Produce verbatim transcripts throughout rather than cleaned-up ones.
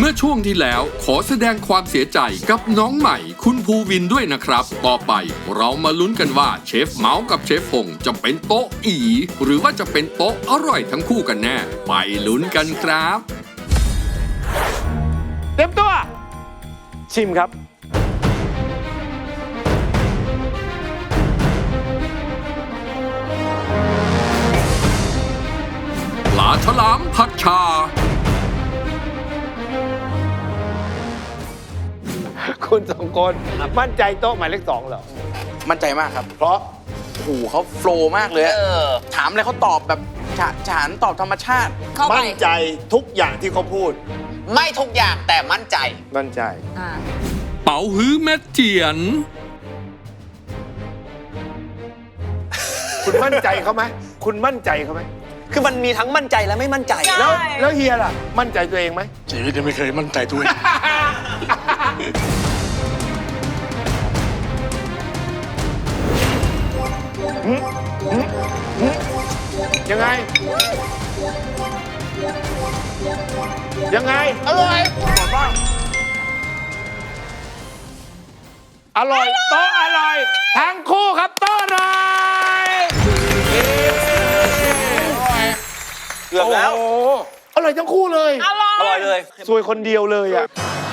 มื่อช่วงที่แล้วขอแสดงความเสียใจกับน้องใหม่คุณภูวินด้วยนะครับต่อไปเรามาลุ้นกันว่าเชฟเมาส์กับเชฟพงจะเป็นโต๊ะอีหรือว่าจะเป็นโต๊ะอร่อยทั้งคู่กันแน่ไปลุ้นกันครับเต็มตัวชิมครับปลาฉลามผัดชาคุณสองคนมั่นใจโต๊ะหมายเลขสองเหรอมั่นใจมากครับเพราะโอ้โหเขาโฟล์มากเลยอะถามอะไรเขาตอบแบบฉะฉานตอบธรรมชาติมั่นใจทุกอย่างที่เขาพูดไม่ทุกอย่างแต่มั่นใจมั่นใจเป๋าฮื้อแม่เจียนคุณมั่นใจเขาไหมคุณมั่นใจเขาไหมคือมันมีทั้งมั่นใจและไม่มั่นใจแล้วแล้วเฮียล่ะมั่นใจตัวเองไหมชีวิตยังไม่เคยมั่นใจตัวเองยังไงยังไงอร่อยอร่อยโต๊ะอร่อยทั้งคู่ครับโต๊ะอร่อยเกือบแล้วโอ้อร่อยทั้งคู่เลยอร่อยเลยสวยคนเดียวเลยอ่ะ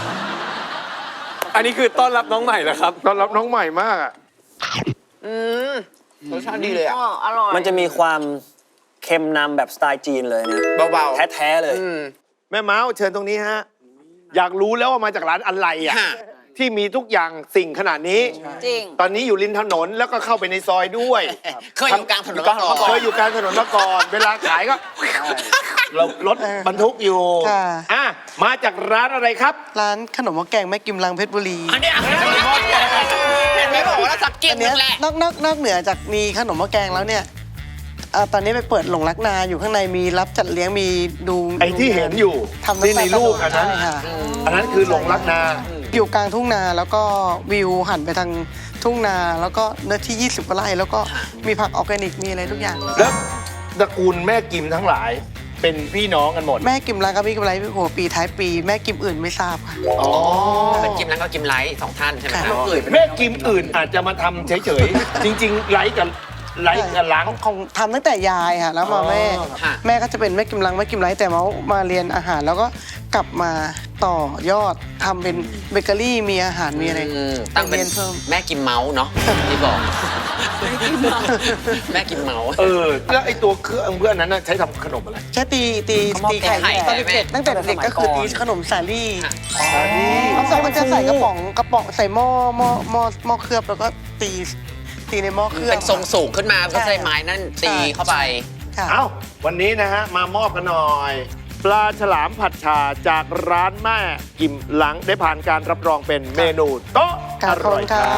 อันนี้คือต้อนรับน้องใหม่เหรอครับต้อนรับน้องใหม่มากอ่ะอืมรสชาติดีเลยอ่ะอร่อยมันจะมีความเค็มนำแบบสไตล์จีนเลยนะเบาๆแท้ๆเลยแม่เมาส์เชิญตรงนี้ฮะอยากรู้แล้วว่ามาจากร้านอะไรอ่ะที่มีทุกอย่างสิ่งขนาดนี้จริงตอนนี้อยู่ริมถนนแล้วก็เข้าไปในซอยด้วยเคยอยู่กลางถนนมาก่อนเคยอยู่กลางถนนมาก่อนเวลาขายก็เรารถบรรทุกอยู่อ่ะมาจากร้านอะไรครับร้านขนมหม้อแกงแม่กิมลังเพชรบุรีอันนี้ไม่บอกว่าสักกินนึงแหละนอกนอกนอกเหนือจากมีขนมหม้อแกงแล้วเนี่ยตอนนี้ไปเปิดหลงรักนาอยู่ข้างในมีรับจัดเลี้ยงมีดูไอ้ที่เห็นอยู่ที่ในรูปอันนั้นอันนั้นคือหลงรักนาอยู่กลางทุ่งนาแล้วก็วิวหันไปทางทุ่งนาแล้วก็เนื้อที่ยี่สิบกว่าไร่แล้วก็มีผักออร์แกนิกมีอะไรทุกอย่างแล้วตระกูลแม่กิมทั้งหลายเป็นพี่น้องกันหมดแม่กิมลังกับพี่กิมไลท์หัวปีท้ายปีแม่กิมอื่นไม่ทราบค่ะอ๋อเป็นกิมลังกับกิมไลท์สองท่านใช่ไหมครับแม่กิมอื่นอาจจะมาทำเฉยๆจริงๆไลท์กับไลท์กับล้างของทำตั้งแต่ยายค่ะแล้วมาแม่แม่ก็จะเป็นแม่กิมลังแม่กิมไลท์แต่มามาเรียนอาหารแล้วก็กลับมาต่อยอดทำเป็นเบเกอรี่มีอาหารมีอะไรตั้งเป็นเพิ่มแม่กิมเมาส์เนาะที่บอกแม่กิมเมาส์เออแล้วไอ้ตัวเครื่องเพื่อนนั้นใช้ทำขนมอะไรใช้ตีตีตีไข่ตอนเด็กตั้งแต่เด็กก็คือตีขนมสาลี่สาลี่มันจะใส่กระป๋องกระป๋องใส่หม้อหม้อหม้อหม้อเคลือบแล้วก็ตีตีในหม้อเคลือบเป็นทรงสูงขึ้นมาก็ใช้ไม้นั่นตีเข้าไปเอ้าวันนี้นะฮะมามอบกันหน่อยปลาฉลามผัดชาจากร้านแม่กิมหลังได้ผ่านการรับรองเป็นเมนูโต๊ะอร่อยครับ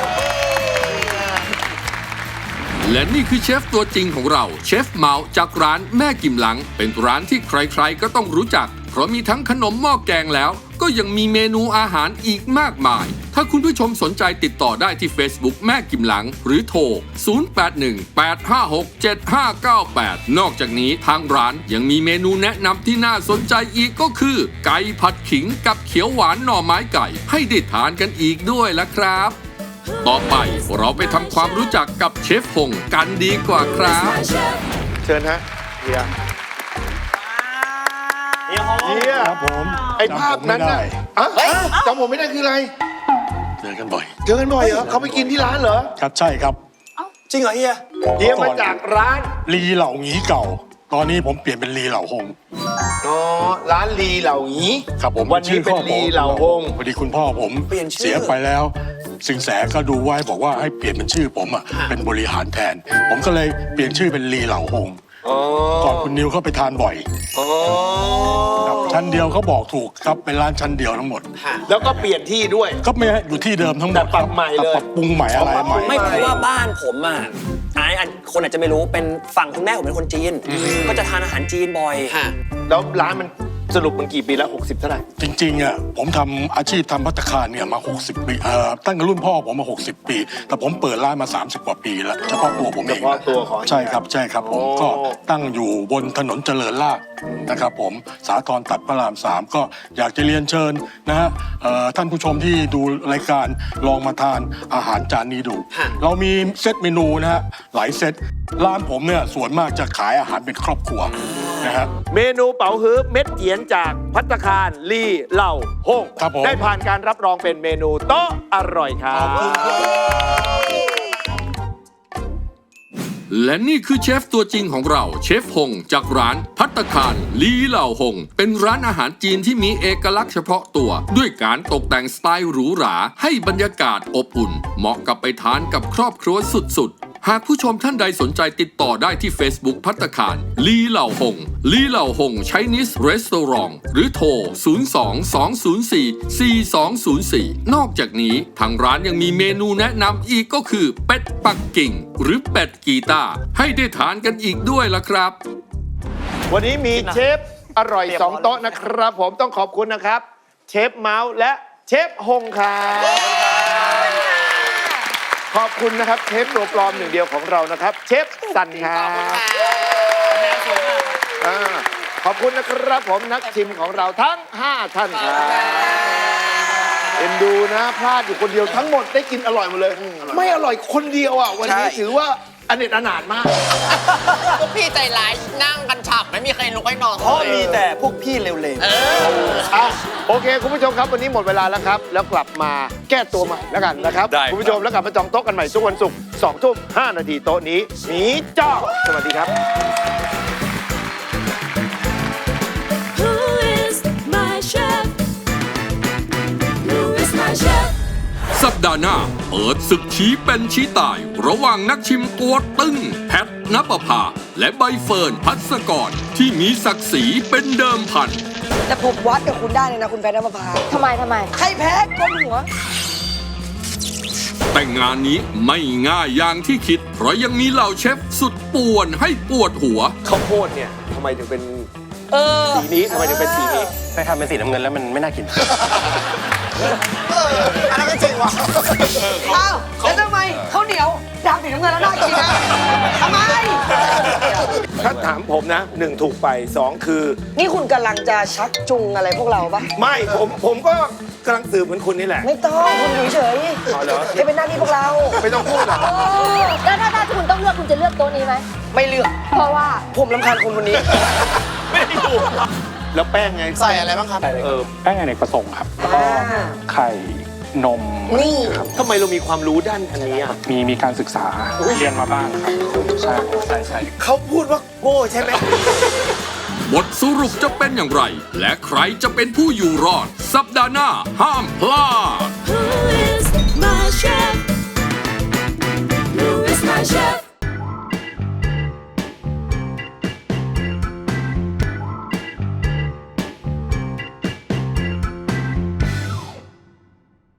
และนี่คือเชฟตัวจริงของเราเชฟเมาส์จากร้านแม่กิมหลังเป็นร้านที่ใครๆก็ต้องรู้จักเพราะมีทั้งขนมหม้อแกงแล้วก็ยังมีเมนูอาหารอีกมากมายถ้าคุณผู้ชมสนใจติดต่อได้ที่ Facebook แม่กิมหลังหรือโทร ศูนย์ แปด หนึ่ง แปด ห้า หก เจ็ด ห้า เก้า แปด นอกจากนี้ทางร้านยังมีเมนูแนะนำที่น่าสนใจอีกก็คือไก่ผัดขิงกับเขียวหวานหน่อไม้ไก่ให้ได้ทานกันอีกด้วยละครับต่อไปเราไปทำความรู้จักกับเชฟพงกันดีกว่าครับเชิญฮะเฮียเฮียครับผมไอ้ภาพนั้นน่ะจำผมไม่ได้คืออะไรเจอกันบ่อยเจอกันบ่อยเหรอเขาไปกินที่ร้านเหรอครับใช่ครับจริงเหรอเฮียเฮียมาจากร้านลีเหล่างี้เก่าตอนนี้ผมเปลี่ยนเป็นลีเหล่าหงอ๋อร้านลีเหล่างี้ครับผมวันนี้เป็นลีเหล่าหงพอดีคุณพ่อผมเสียไปแล้วสิงแสก็ดูไว้บอกว่าให้เปลี่ยนเป็นชื่อผมอ่ะเป็นบริหารแทนผมก็เลยเปลี่ยนชื่อเป็นลีเหล่าหงก่อนคุณนิวเข้าไปทานบ่อยครับชั้นเดียวเขาบอกถูกครับเป็นร้านชั้นเดียวทั้งหมดแล้วก็เปลี่ยนที่ด้วยก็ไม่อยู่ที่เดิมทั้งหมดแต่ปรับใหม่เลยปรับปรุงใหม่อะไรใหม่ไม่เพราะว่าบ้านผมอ่ะไอ้คนอาจจะไม่รู้เป็นฝั่งคุณแม่ผมเป็นคนจีนก็จะทานอาหารจีนบ่อยแล้วร้านมันสรุปมันกี่ปีแล้ว หกสิบเท่าไหร่จริงๆอ่ะผมทำอาชีพทำภัตตาคารเนี่ยมา หกสิบ ปีเอ่อตั้งแต่รุ่นพ่อผมมา หกสิบ ปี แต่ผมเปิดร้านมา สามสิบ กว่าปีแล้วเฉพาะตัวผมเองเฉพาะตัวของใช่ครับใช่ครับผมโอ้ก็ตั้งอยู่บนถนนเจริญราษฎร์นะครับผมสาทรตัดพระรามสามก็อยากจะเรียนเชิญนะฮะเอ่อท่านผู้ชมที่ดูรายการลองมาทานอาหารจานนี้ดู เรามีเซตเมนูนะฮะหลายเซตร้านผมเนี่ยส่วนมากจะขายอาหารเป็นครอบครัวนะฮะเมนูเป๋าฮื้อเม็ดเจียนจากภัตตาคารลีเหล่าฮงครับผมได้ผ่านการรับรองเป็นเมนูโต๊ะอร่อยครับและนี่คือเชฟตัวจริงของเราเชฟฮงจากร้านภัตตาคารลีเหล่าฮงเป็นร้านอาหารจีนที่มีเอกลักษณ์เฉพาะตัว ด้วยการตกแต่งสไตล์หรูหราให้บรรยากาศอบอุ่น เหมาะกับไปทานกับครอบครัวสุดๆ หากผู้ชมท่านใดสนใจติดต่อได้ที่ Facebook ภัตตาคารลีเหล่าฮงลีเหล่าฮง Chinese Restaurant หรือโทร ศูนย์ สอง สอง ศูนย์ สี่ สี่ สอง ศูนย์ สี่ นอกจากนี้ทางร้านยังมีเมนูแนะนำอีกก็คือเป็ดปักกิ่ง หรือเป็ดกีตาร์ให้ได้ทานกันอีกด้วยล่ะครับวันนี้มีเชฟอร่อยสองโต๊ะนะครับ ผมต้องขอบคุณนะครับ เชฟเมาส์และเชฟฮงครับขอบคุณนะครับเชฟตัวปลอมหนึ่งเดียวของเรานะครับ เชฟสันครับอ่าขอบคุณนะครับผมนักชิมของเราทั้งห้าท่านครับเอ็นดูนะพลาดอยู่คนเดียวทั้งหมดได้กินอร่อยหมดเลย ไม่อร่อยคนเดียวอ่ะวันนี้ใช่ถือว่าอเนจอนาถมากพวกพี่ใจร้ายนั่งกันฉับไม่มีใครลุกให้นอนเพราะมีแต่พวกพี่เร็วเอออ่ะโอเค คุณผู้ชมครับ วันนี้หมดเวลาแล้วครับ แล้วกลับมาแก้ตัวใหม่แล้วกันนะครับ คุณผู้ชมแล้วกลับมาจองโต๊ะกันใหม่ทุกวันศุกร์สองทุ่มห้านาทีโต๊ะนี้หมีจ้าสวัสดีครับ Who is my chef? Who is my chef? สัปดาห์หน้าเปิดศึกชี้เป็นชี้ตาย ระหว่างนักชิมตัวตึงแพทณปภา และใบเฟิร์นพัสกรที่มีศักดิ์ศรีเป็นเดิมพันแต่ผมวัดกับคุณได้เลยนะคุณแพทย์นภพาทำไมทำไมใครแพ้ก้มหัวแต่งานนี้ไม่ง่ายอย่างที่คิด เพราะยังมีเหล่าเชฟสุดป่วนให้ปวดหัวข้าวโพดเนี่ยทำไมถึงเป็นเออสีนี้ทำไมถึงเป็นสีนี้ไปทำเป็นสีน้ำเงินแล้วมันไม่น่ากินอันนั้นก็จริงว่ะอ้าวแล้วทำไมข้าวเหนียวดำสีน้ำเงินแล้วน่ากินนะทำไมถ้าถามผมนะหนึ่งถูกไปสองคือนี่คุณกำลังจะชักจูงอะไรพวกเราปะไม่ผมผมก็กำลังสืบเหมือนคุณนี่แหละไม่ต้องคุณอยู่เฉยอ๋อเหรอๆจะเป็นหน้าที่พวกเราไม่ต้องพูดหรอกแล้วถ้าถ้าคุณต้องเลือกคุณจะเลือกโต๊ะนี้ไหมไม่เลือกเพราะว่าผมรำคาญคนคนนี้แล้วแป้งไงใส่อะไรบ้างครับเออแป้งอเนกประสงค์ครับแล้วก็ไข่นมนี่ทำไมเรามีความรู้ด้านอันนี้อ่ะมีมีการศึกษาเรียนมาบ้างครับใช่ใช่ใช่เขาพูดว่าโง่ใช่ไหมบทสรุปจะเป็นอย่างไร และใครจะเป็นผู้อยู่รอด สัปดาห์หน้าห้ามพลาด